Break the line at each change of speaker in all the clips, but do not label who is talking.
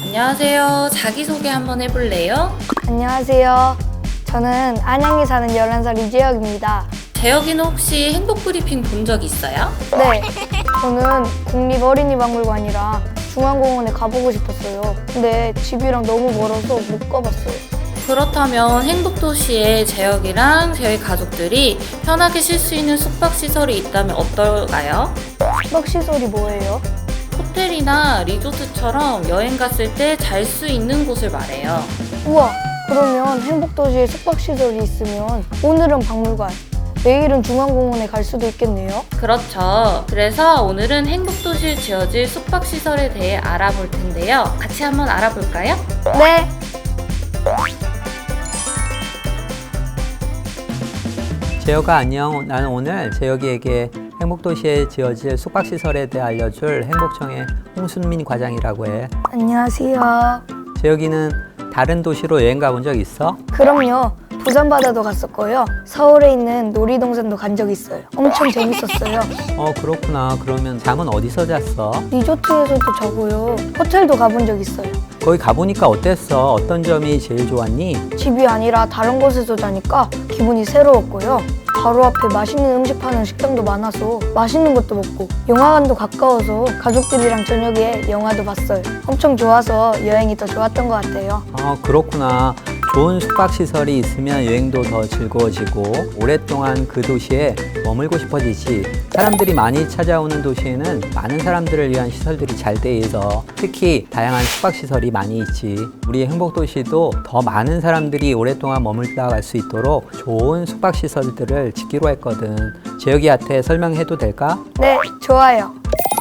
안녕하세요. 자기소개 한번 해볼래요?
안녕하세요. 저는 안양에 사는 11살 이재혁입니다.
재혁이는 혹시 행복브리핑 본 적 있어요?
네, 저는 국립어린이박물관이랑 중앙공원에 가보고 싶었어요. 근데 집이랑 너무 멀어서 못 가봤어요.
그렇다면 행복도시에 재혁이랑 재혁이 가족들이 편하게 쉴 수 있는 숙박시설이 있다면 어떨까요?
숙박시설이 뭐예요?
호텔이나 리조트처럼 여행 갔을 때 잘 수 있는 곳을 말해요.
우와, 그러면 행복도시에 숙박시설이 있으면 오늘은 박물관, 내일은 중앙공원에 갈 수도 있겠네요.
그렇죠. 그래서 오늘은 행복도시에 지어질 숙박시설에 대해 알아볼 텐데요. 같이 한번 알아볼까요?
네.
재혁아 안녕. 나는 오늘 재혁이에게 행복도시에 지어질 숙박시설에 대해 알려줄 행복청의 홍순민 과장이라고 해.
안녕하세요.
재혁이는 다른 도시로 여행 가본 적 있어?
그럼요. 부산 바다도 갔었고요. 서울에 있는 놀이동산도 간 적 있어요. 엄청 재밌었어요.
그렇구나. 그러면 잠은 어디서 잤어?
리조트에서도 자고요. 호텔도 가본 적 있어요.
거기 가보니까 어땠어? 어떤 점이 제일 좋았니?
집이 아니라 다른 곳에서 자니까 기분이 새로웠고요. 바로 앞에 맛있는 음식 파는 식당도 많아서 맛있는 것도 먹고 영화관도 가까워서 가족들이랑 저녁에 영화도 봤어요. 엄청 좋아서 여행이 더 좋았던 것 같아요.
그렇구나. 좋은 숙박시설이 있으면 여행도 더 즐거워지고 오랫동안 그 도시에 머물고 싶어지지. 사람들이 많이 찾아오는 도시에는 많은 사람들을 위한 시설들이 잘 돼 있어. 특히 다양한 숙박시설이 많이 있지. 우리 행복도시도 더 많은 사람들이 오랫동안 머물다 갈 수 있도록 좋은 숙박시설들을 짓기로 했거든. 재혁이한테 설명해도 될까?
네, 좋아요.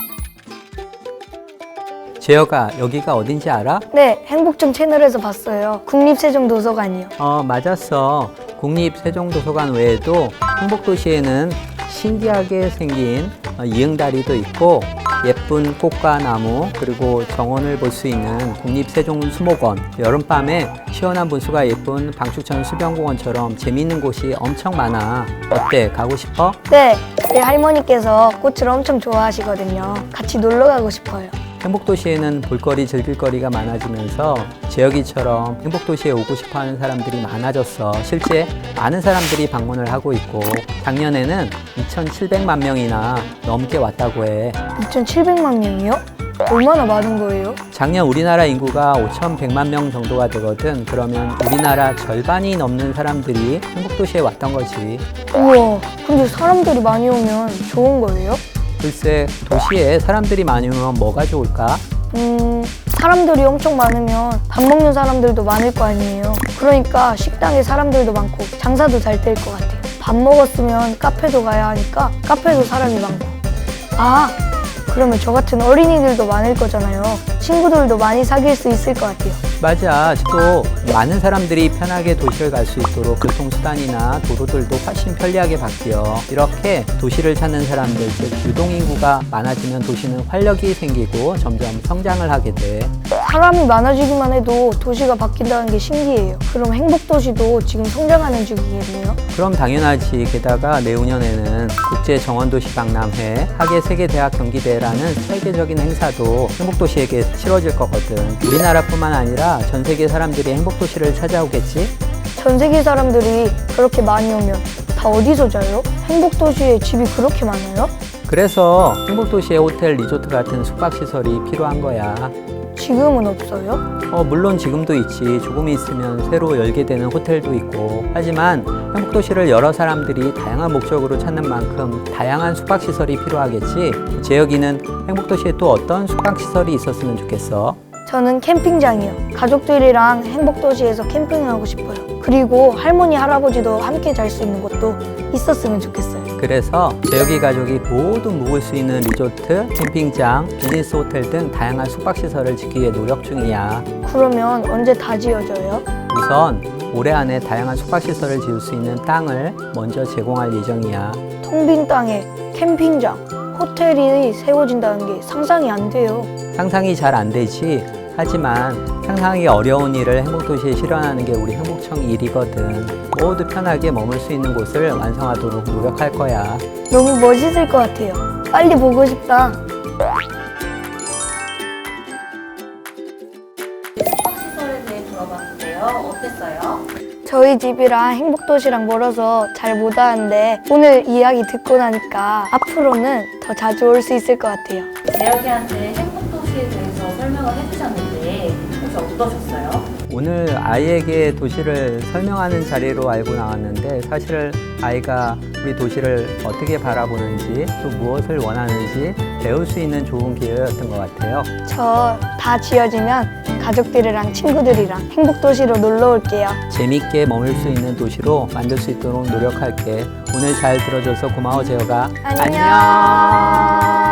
재혁아, 여기가 어딘지 알아?
네, 행복청 채널에서 봤어요. 국립세종도서관이요.
맞았어. 국립세종도서관 외에도 행복도시에는 신기하게 생긴 이응다리도 있고 예쁜 꽃과 나무 그리고 정원을 볼 수 있는 국립세종수목원, 여름밤에 시원한 분수가 예쁜 방축천 수변공원처럼 재미있는 곳이 엄청 많아. 어때? 가고 싶어?
네, 우리 할머니께서 꽃을 엄청 좋아하시거든요. 같이 놀러 가고 싶어요.
행복도시에는 볼거리, 즐길거리가 많아지면서 재혁이처럼 행복도시에 오고 싶어하는 사람들이 많아졌어. 실제 많은 사람들이 방문을 하고 있고 작년에는 2,700만 명이나 넘게 왔다고 해.
2,700만 명이요? 얼마나 많은 거예요?
작년 우리나라 인구가 5,100만 명 정도가 되거든. 그러면 우리나라 절반이 넘는 사람들이 행복도시에 왔던 거지.
우와, 근데 사람들이 많이 오면 좋은 거예요?
글쎄, 도시에 사람들이 많이 오면 뭐가 좋을까?
사람들이 엄청 많으면 밥 먹는 사람들도 많을 거 아니에요. 그러니까 식당에 사람들도 많고 장사도 잘 될 것 같아요. 밥 먹었으면 카페도 가야 하니까 카페도 사람이 많고. 아, 그러면 저 같은 어린이들도 많을 거잖아요. 친구들도 많이 사귈 수 있을 것 같아요.
맞아. 또 많은 사람들이 편하게 도시를 갈 수 있도록 교통수단이나 도로들도 훨씬 편리하게 바뀌어. 이렇게 도시를 찾는 사람들, 즉 유동인구가 많아지면 도시는 활력이 생기고 점점 성장을 하게 돼.
사람이 많아지기만 해도 도시가 바뀐다는 게 신기해요. 그럼 행복도시도 지금 성장하는 중이겠네요.
그럼 당연하지. 게다가 내후년에는 국제정원도시 박람회, 하계세계대학 경기대회라는 세계적인 행사도 행복도시에게 치러질 거거든. 우리나라뿐만 아니라 전 세계 사람들이 행복도시를 찾아오겠지?
전 세계 사람들이 그렇게 많이 오면 다 어디서 자요? 행복도시에 집이 그렇게 많아요?
그래서 행복도시에 호텔, 리조트 같은 숙박시설이 필요한 거야.
지금은 없어요?
물론 지금도 있지. 조금 있으면 새로 열게 되는 호텔도 있고. 하지만 행복도시를 여러 사람들이 다양한 목적으로 찾는 만큼 다양한 숙박시설이 필요하겠지. 재혁이는 행복도시에 또 어떤 숙박시설이 있었으면 좋겠어?
저는 캠핑장이요. 가족들이랑 행복도시에서 캠핑하고 싶어요. 그리고 할머니, 할아버지도 함께 잘 수 있는 곳도 있었으면 좋겠어요.
그래서 재혁이 가족이 모두 묵을 수 있는 리조트, 캠핑장, 비즈니스 호텔 등 다양한 숙박시설을 짓기 위해 노력 중이야.
그러면 언제 다 지어져요?
우선 올해 안에 다양한 숙박시설을 지을 수 있는 땅을 먼저 제공할 예정이야.
텅 빈 땅에 캠핑장, 호텔이 세워진다는 게 상상이 안 돼요.
상상이 잘 안 되지. 하지만 상상하기 어려운 일을 행복도시에 실현하는 게 우리 행복청 일이거든. 모두 편하게 머물 수 있는 곳을 완성하도록 노력할 거야.
너무 멋있을 것 같아요. 빨리 보고 싶다.
어땠어요?
저희 집이랑 행복도시랑 멀어서 잘 못 왔는데 오늘 이야기 듣고 나니까 앞으로는 더 자주 올 수 있을 것 같아요.
재혁이한테 행복도시에 대해서 설명을 해주셨는데 혹시 어떠셨어요?
오늘 아이에게 도시를 설명하는 자리로 알고 나왔는데 사실 아이가 우리 도시를 어떻게 바라보는지 또 무엇을 원하는지 배울 수 있는 좋은 기회였던 것 같아요.
저 다 지어지면 가족들이랑 친구들이랑 행복도시로 놀러 올게요.
재밌게 머물 수 있는 도시로 만들 수 있도록 노력할게. 오늘 잘 들어줘서 고마워, 재혁아.
안녕.